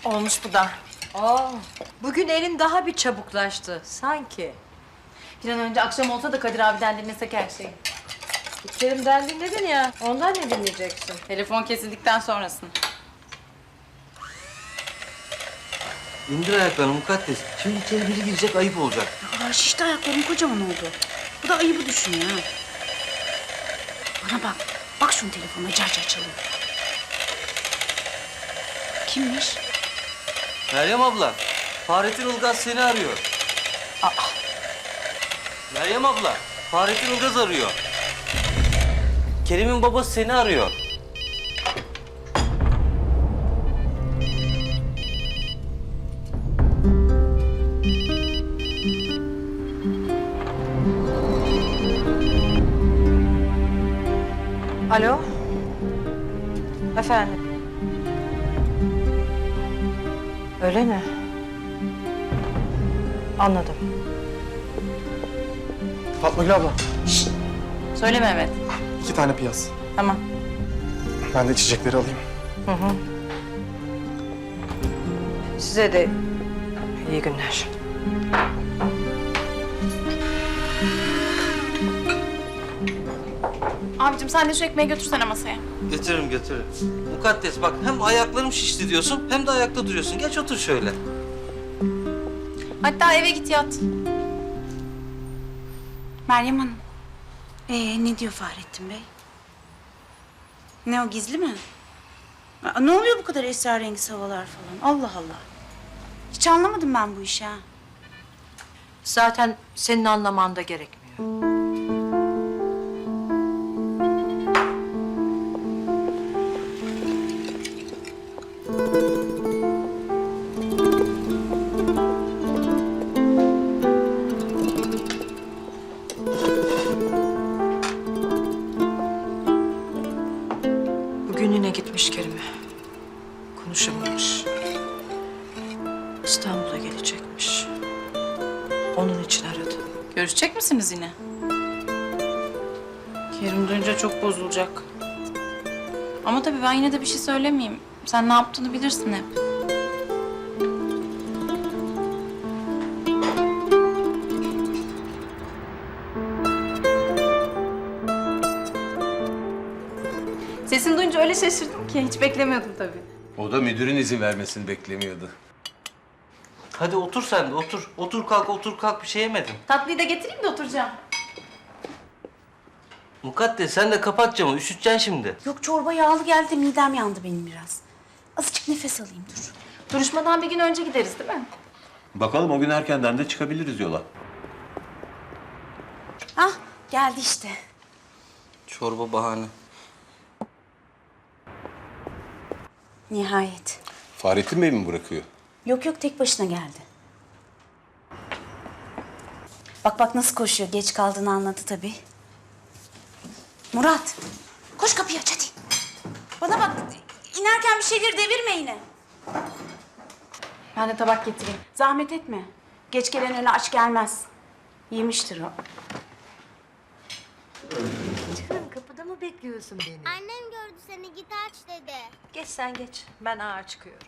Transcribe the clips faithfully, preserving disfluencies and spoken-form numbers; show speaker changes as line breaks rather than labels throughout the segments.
Olmuş bu da.
Aa, bugün elin daha bir çabuklaştı sanki.
Bir an önce akşam olsa da Kadir abiden dinlesek her şeyi.
Kerim'den dinledin ya, ondan ne dinleyeceksin?
Telefon kesildikten sonrasını.
İndir ayaklarını mukaddes. Şimdi içeri biri girecek, ayıp olacak.
Aa, şişti ayaklarım kocaman oldu. Bu da ayıbı düşün ya. Bana bak. Bak şunun telefonuna car car çalıyor. Kimmiş?
Meryem abla, Fahrettin Ilgaz seni arıyor.
Aa.
Meryem abla, Fahrettin Ilgaz arıyor. Kerim'in babası seni arıyor.
Alo? Efendim? Öyle mi? Anladım.
Fatma Gül abla,
Söyle Mehmet.
iki tane piyaz.
Tamam.
Ben de içecekleri alayım.
Hı hı. Size de iyi günler.
Abicim sen de şu ekmeği götürsene masaya.
Getiririm, getiririm. Mukaddes bak, hem ayaklarım şişti diyorsun, hem de ayakta duruyorsun. Geç otur şöyle.
Hatta eve git yat.
Meryem Hanım. Ee, ne diyor Fahrettin Bey? Ne o, gizli mi? Aa, ne oluyor bu kadar esrarengiz havalar falan? Allah Allah. Hiç anlamadım ben bu işi ha.
Zaten senin anlaman da gerekmiyor. Bugün yine gitmiş Kerim'e. Konuşamamış. İstanbul'a gelecekmiş. Onun için aradı.
Görüşecek misiniz yine? Kerim duyunca çok bozulacak. Ama tabii ben yine de bir şey söylemeyeyim. Sen ne yaptığını bilirsin hep. Sesini duyunca öyle şaşırdım ki hiç beklemiyordum tabii.
O da müdürün izin vermesini beklemiyordu.
Hadi otur sen de, otur. Otur kalk, otur kalk, bir şey yemedin.
Tatlıyı da getireyim de oturacağım.
Mukaddes sen de kapat camı, üşüteceksin şimdi.
Yok, çorba yağlı geldi, midem yandı benim biraz. Azıcık nefes alayım, dur.
Duruşmadan bir gün önce gideriz değil mi?
Bakalım o gün erkenden de çıkabiliriz yola.
Ah, geldi işte.
Çorba bahane.
Nihayet.
Fahrettin Bey mi bırakıyor?
Yok yok, tek başına geldi. Bak bak nasıl koşuyor, geç kaldığını anladı tabii. Murat, koş kapıyı aç hadi. Bana bak, inerken bir şeyleri devirme yine.
Ben de tabak getireyim.
Zahmet etme. Geç gelen öyle aç gelmez. Yemiştir o.
Canım kapıda mı bekliyorsun beni?
Annem gördü seni, git aç dedi.
Geç sen geç. Ben ağa çıkıyorum.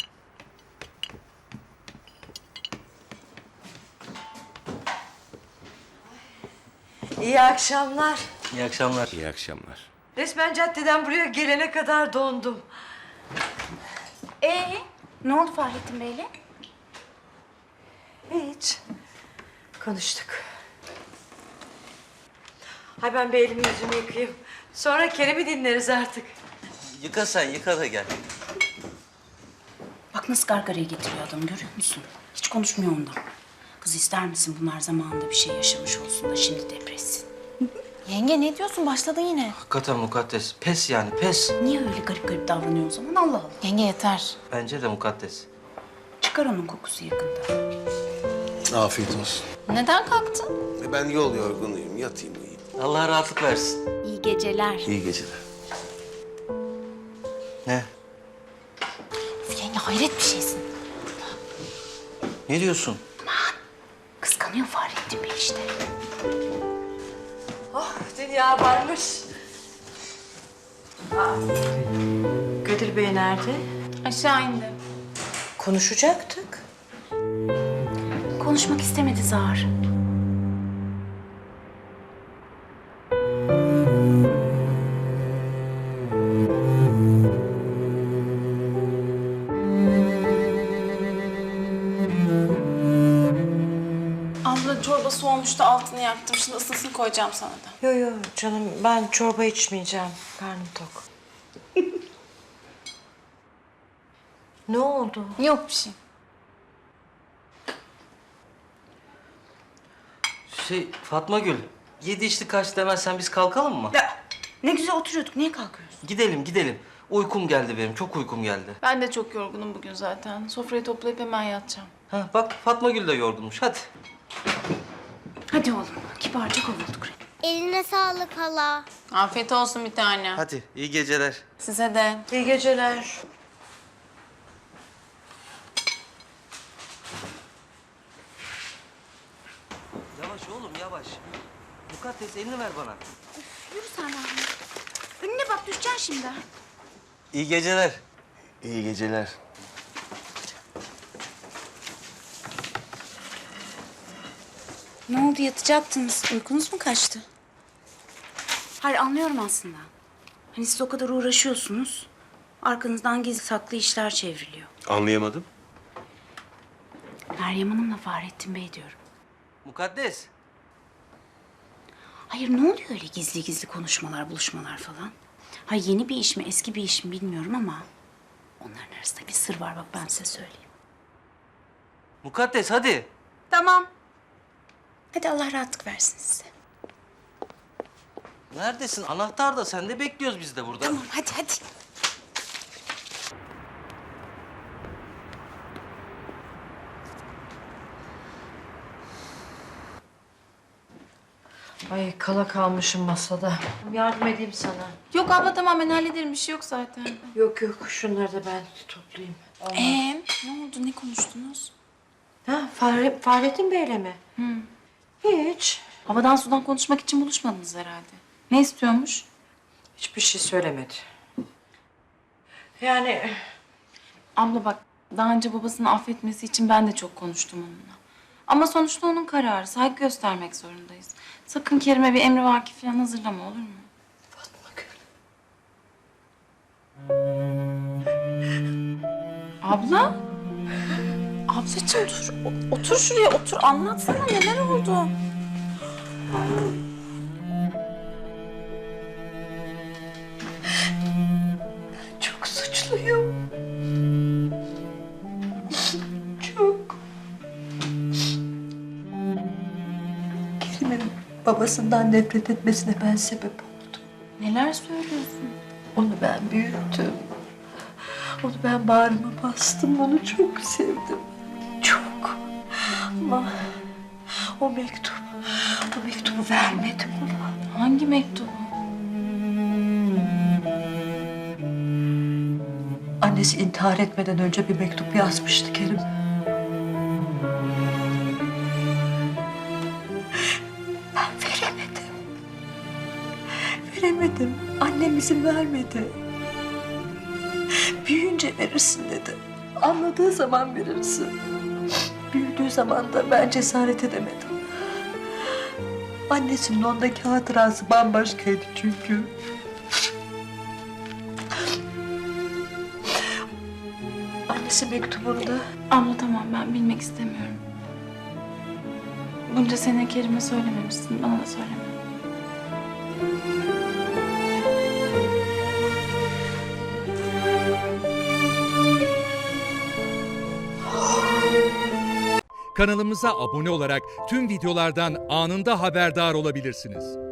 İyi akşamlar.
İyi akşamlar.
İyi akşamlar.
Resmen caddeden buraya gelene kadar dondum.
Ee, ne oldu Fahrettin Bey'le?
Hiç. Konuştuk. Hay ben bir elimi yüzümü yıkayayım. Sonra Kerem'i dinleriz artık.
Yıka sen, yıka da gel.
Bak nasıl gargarayı getiriyor adam, görüyor musun? Hiç konuşmuyor ondan. Kız ister misin bunlar zamanında bir şey yaşamış olsun da şimdi depressin?
Yenge ne diyorsun? Başladın yine.
Hakikaten mukaddes. Pes yani, pes.
Niye öyle garip garip davranıyor o zaman? Allah Allah.
Yenge yeter.
Bence de mukaddes.
Çıkar onun kokusu yakında.
Afiyet olsun.
Neden kalktın?
E ben yol yorgunuyum. Yatayım uyuyayım.
Allah rahatlık versin.
İyi geceler.
İyi geceler.
Ne?
Üf, yenge hayret bir şeysin.
Ne diyorsun?
Kıskanıyor Fahrettin Bey işte.
Oh dünya varmış. Aa, Kadir Bey nerede?
Aşağı indi.
Konuşacaktık.
Konuşmak istemedi Zahar.
Abla çorba soğumuştu, altını yaktım. Şimdi ısısını koyacağım sana da.
Yo yo canım, ben çorba içmeyeceğim. Karnım tok. Ne oldu?
Yok bir şey.
Şey Fatma Gül, yedi içti kaç demezsen biz kalkalım mı?
Ya, ne güzel oturuyorduk. Niye kalkıyoruz?
Gidelim gidelim. Uykum geldi benim, çok uykum geldi.
Ben de çok yorgunum bugün zaten. Sofrayı toplayıp hemen yatacağım.
Ha, bak Fatma Gül de yorgunmuş, hadi.
Hadi oğlum. Kibarca kovulduk.
Eline sağlık hala.
Afiyet olsun bir tane.
Hadi, iyi geceler.
Size de.
İyi geceler.
Yavaş oğlum, yavaş. Mukaddes elini ver bana.
Yürü sen Rahmi. Önüne bak, düşeceksin şimdi.
İyi geceler.
İyi geceler.
Ne oldu, yatacaktınız? Uykunuz mu kaçtı? Hayır, anlıyorum aslında. Hani siz o kadar uğraşıyorsunuz. Arkanızdan gizli saklı işler çevriliyor.
Anlayamadım.
Meryem Hanım'la Fahrettin Bey diyorum.
Mukaddes.
Hayır, ne oluyor öyle gizli gizli konuşmalar, buluşmalar falan? Ha, yeni bir iş mi, eski bir iş mi bilmiyorum ama... onların arasında bir sır var, bak ben size söyleyeyim.
Mukaddes hadi.
Tamam. Hadi Allah rahatlık versin size.
Neredesin? Anahtar da sende, bekliyoruz biz de burada.
Tamam, hadi hadi.
Ay kala kalmışım masada. Yardım edeyim sana.
Yok abla tamam, ben hallederim. Bir şey yok zaten.
Yok yok, şunları da ben toplayayım.
Ee, ne oldu? Ne konuştunuz?
Ha, Fahre, Fahrettin Bey'le mi? Hı. Hiç.
Havadan sudan konuşmak için buluşmadınız herhalde. Ne istiyormuş?
Hiçbir şey söylemedi. Yani
Abla bak, daha önce babasını affetmesi için ben de çok konuştum onunla. Ama sonuçta onun kararı. Saygı göstermek zorundayız. Sakın Kerim'e bir emrivaki falan hazırlama, olur mu?
Fatma Gül.
Abla? Ablacığım dur. O- otur şuraya, otur. Anlatsana, neler oldu?
Çok suçluyum. Çok. Kerim'in babasından nefret etmesine ben sebep oldum.
Neler söylüyorsun?
Onu ben büyüttüm. Onu ben bağrıma bastım. Onu çok sevdim. Çok. Ama o mektup, o mektubu vermedim ona.
Hangi mektubu?
Annesi intihar etmeden önce bir mektup yazmıştı Kerim. Ben veremedim. Veremedim. Annem izin vermedi. Büyüyünce verirsin dedi. Anladığı zaman verirsin. Büyüdüğü zaman da ben cesaret edemedim. Annesinin ondaki hatırası bambaşkaydı çünkü. Annesi mektubunda
Abla tamam, ben bilmek istemiyorum. Bunca sene Kerim'e söylememişsin, bana da söyleme.
Kanalımıza abone olarak tüm videolardan anında haberdar olabilirsiniz.